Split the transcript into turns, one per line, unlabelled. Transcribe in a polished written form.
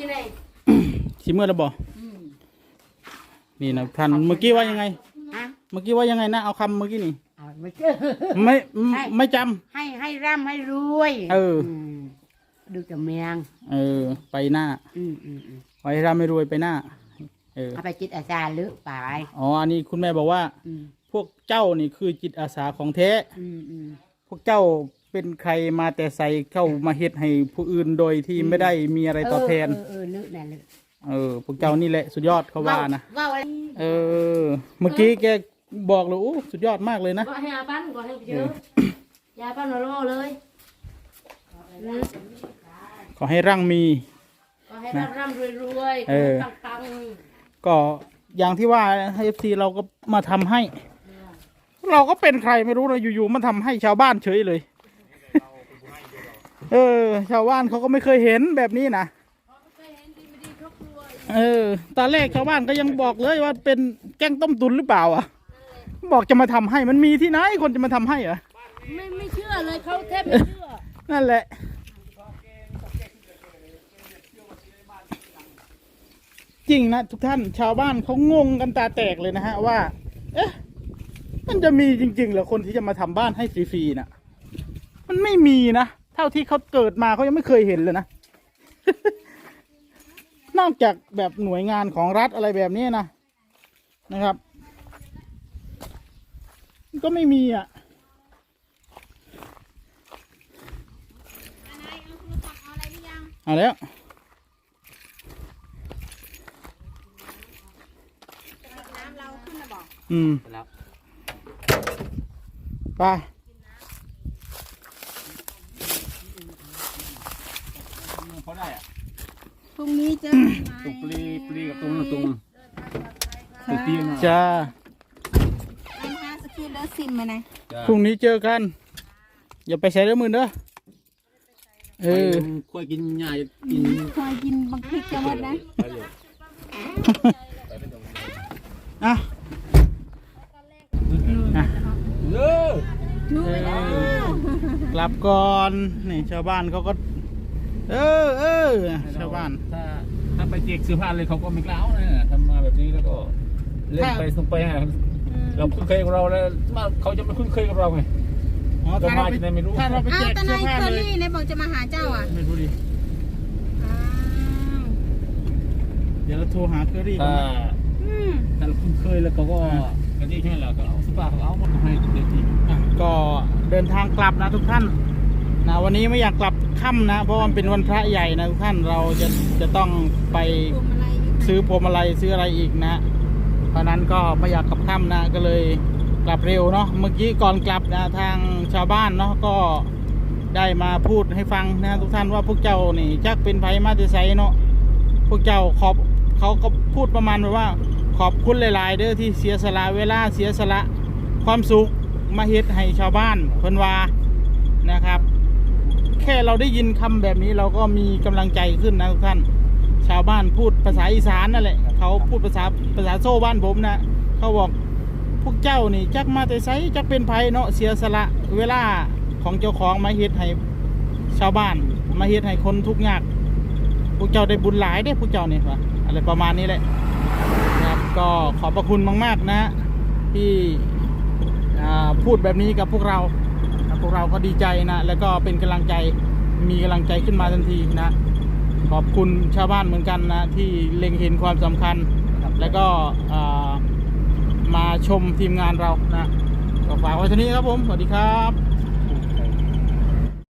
จะไหน
สิเมื่อระบอนี่นะท่านเมื่อกี้ว่ายังไงเมื่อกี้ว่ายังไงนะเอาคำเมื่อกี้นี่ไม่จำ
ให้ร่ำให้รวยดูจะเมียง
ไปหน้าไว้ร่ำไม่รวยไปหน้า
เอาไปจิตอาสาหรือเปล่า
อ๋ออันนี้คุณแม่บอกว่าพวกเจ้านี่คือจิตอาสาของแท้พวกเจ้าเป็นใครมาแต่ใส่เข้ามาเฮ็ดให้ผู้อื่นโดยที่ไม่ได้มีอะไรตอบแทน
ลึกนั่นลึก
พวกเจ้านี่แหละสุดยอดเขาว่านะเมื่อกี้แกบอกเลยโอ้สุดยอดมากเลยนะ
ก็ให้อาปั้นก็ให้เยอะยาปั้นมาล่อเลย
ขอให้ร่างมี
ก็ให้ร่ำรวยปัง
ก็อย่างที่ว่าให้FCเราก็มาทำให้เราก็เป็นใครไม่รู้เราอยู่ๆมาทำให้ชาวบ้านเฉยเลยชาวบ้านเขาก็ไม่เคยเห็นแบบนี้นะตอนแรกชาวบ้านก็ยังบอกเลยว่าเป็นแกงต้มตุนหรือเปล่าอ่ะบอกจะมาทำให้มันมีที่ไหนคนจะมาทำให้เหรอ
ไม่เชื่อเลยเขาแทบไม่เชื่อ
นั่นแหละจริงนะทุกท่านชาวบ้านเขางงกันตาแตกเลยนะฮะว่ามันจะมีจริงๆเหรอคนที่จะมาทำบ้านให้ฟรีๆนะมันไม่มีนะเท่าที่เขาเกิดมาเขายังไม่เคยเห็นเลยนะ นอกจากแบบหน่วยงานของรัฐอะไรแบบนี้นะครับก็ไม่มีเอาแล้ว
น้ำเราขึ้นมาบอก
ไปเขาได้
พรุ่งนี้เจอ
ตุกปลีกับตรงเตียง
จ้า
สกิลเดอร์ซิมมาไหน
พรุ่งนี้เจอกันอย่าไปใช้เรื่องมือเด้อ
ค่อยกินหญ้า
ค่อยกินบางพริกจะหมดนะ
กลับก่อนนี่ชาวบ้านเขาก็ชาวบ้าน
ถ้าไปเจ๊กซื้อผ้าเลยเขาก็ไม่กล้านะทำมาแบบนี้แล้วก็เล่นไปส่งไปเราคุ้นเคยกับเราแล้วเขาจะไม่คุ้นเคยกับเราไง
ถ้าเราไปแจกเสื้อผ้าเลย
เนี่ยบอกจะมาหาเจ้า
ไม่รู้ดิเดี๋ยวเราโทรหาเคอรี่
ถ้าเราคุ้นเคยแล้วเขาก็กันที่ใช่เหรอก็เอาเสื้อผ้าเขาเอาหมดให้เด็ก
ก็เดินทางกลับนะทุกท่านนะวันนี้ไม่อยากกลับค่ำนะเพราะมันเป็นวันพระใหญ่นะทุกท่านเราจะต้องไปซื้อพวงมาลัยซื้ออะไรอีกนะเพราะนั้นก็ไม่อยากกลับค่ำนะก็เลยกลับเร็วเนาะเมื่อกี้ก่อนกลับนะทางชาวบ้านเนาะก็ได้มาพูดให้ฟังนะทุกท่านว่าพวกเจ้านี่จักเป็นไผมาแต่ไสเนาะพวกเจ้าเขาก็พูดประมาณว่าขอบคุณหลายๆเด้อที่เสียสละเวลาเสียสละความสุขมาเฮ็ดให้ชาวบ้านเพิ่นว่านะครับแค่เราได้ยินคำแบบนี้เราก็มีกำลังใจขึ้นนะทุกท่านชาวบ้านพูดภาษาอีสานนั่นแหละเขาพูดภาษาโซ่บ้านผมนะเขาบอกพวกเจ้านี่จักมาแต่ไสจักเป็นไผเนาะเสียสละเวลาของเจ้าของมาเฮ็ดให้ชาวบ้านมาเฮ็ดให้คนทุกข์ยากพวกเจ้าได้บุญหลายได้พวกเจ้านี่ว่ะอะไรประมาณนี้แหละนะครับก็ขอบพระคุณมากๆนะที่พูดแบบนี้กับพวกเราก็ดีใจนะแล้วก็เป็นกำลังใจมีกำลังใจขึ้นมาทันทีนะขอบคุณชาวบ้านเหมือนกันนะที่เล็งเห็นความสำคัญแล้วก็มาชมทีมงานเรานะก็ฝากไว้เท่านี้ครับผมสวัสดีครับ